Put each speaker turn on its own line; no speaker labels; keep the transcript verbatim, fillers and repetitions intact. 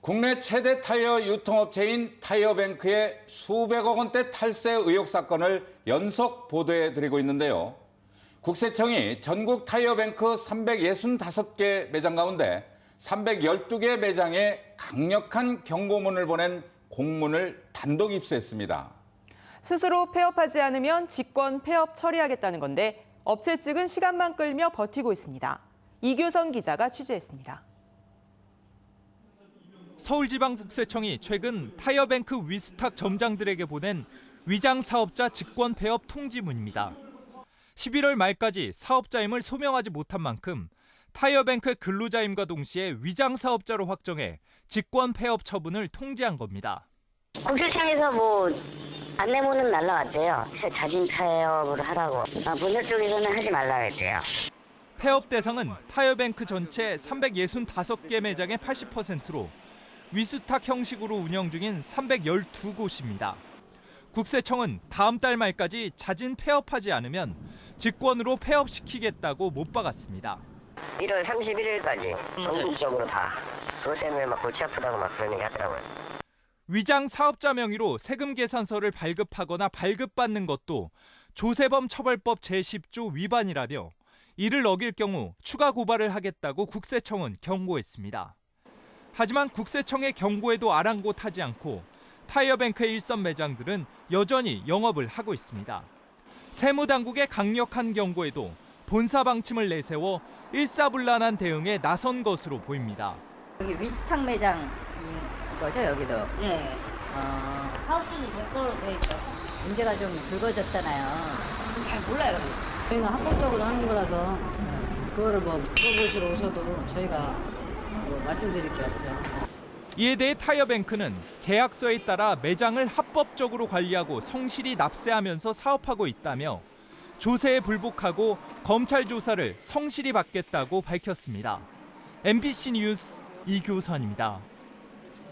국내 최대 타이어 유통업체인 타이어뱅크의 수백억 원대 탈세 의혹 사건을 연속 보도해드리고 있는데요. 국세청이 전국 타이어뱅크 삼백육십오 개 매장 가운데 삼백십이 개 매장에 강력한 경고문을 보낸 공문을 단독 입수했습니다.
스스로 폐업하지 않으면 직권 폐업 처리하겠다는 건데 업체 측은 시간만 끌며 버티고 있습니다. 이규선 기자가 취재했습니다.
서울지방국세청이 최근 타이어뱅크 위스탁 점장들에게 보낸 위장 사업자 직권 폐업 통지문입니다. 십일월 말까지 사업자임을 소명하지 못한 만큼 타이어뱅크의 근로자임과 동시에 위장 사업자로 확정해 직권 폐업 처분을 통지한 겁니다.
국세청에서 뭐 안내문은 날라왔대요. 자진 폐업을 하라고. 아, 본사 쪽에서는 하지 말라 했대요.
폐업 대상은 타이어뱅크 전체 삼백육십오 개 매장의 팔십 퍼센트로 위수탁 형식으로 운영 중인 삼백십이 곳입니다. 국세청은 다음 달 말까지 자진 폐업하지 않으면 직권으로 폐업시키겠다고 못 박았습니다.
일월 삼십일일까지 전국적으로 다. 그것 때문에 막 골치 아프다고 막 그런 얘기 하더라고요.
위장 사업자 명의로 세금 계산서를 발급하거나 발급받는 것도 조세범 처벌법 제십 조 위반이라며 이를 어길 경우 추가 고발을 하겠다고 국세청은 경고했습니다. 하지만 국세청의 경고에도 아랑곳하지 않고 타이어뱅크의 일선 매장들은 여전히 영업을 하고 있습니다. 세무당국의 강력한 경고에도 본사 방침을 내세워 일사불란한 대응에 나선 것으로 보입니다.
여기 위스탁 매장인 거죠, 여기도?
네.
어,
사업수는 별도로 돼 있죠.
문제가 좀 불거졌잖아요.
잘 몰라요.
저희는 합법적으로 하는 거라서 그거를 뭐 물어보시러 오셔도 저희가 뭐 말씀드릴 게 없죠.
이에 대해 타이어뱅크는 계약서에 따라 매장을 합법적으로 관리하고 성실히 납세하면서 사업하고 있다며 조세에 불복하고 검찰 조사를 성실히 받겠다고 밝혔습니다. 엠비씨 뉴스 이규선입니다.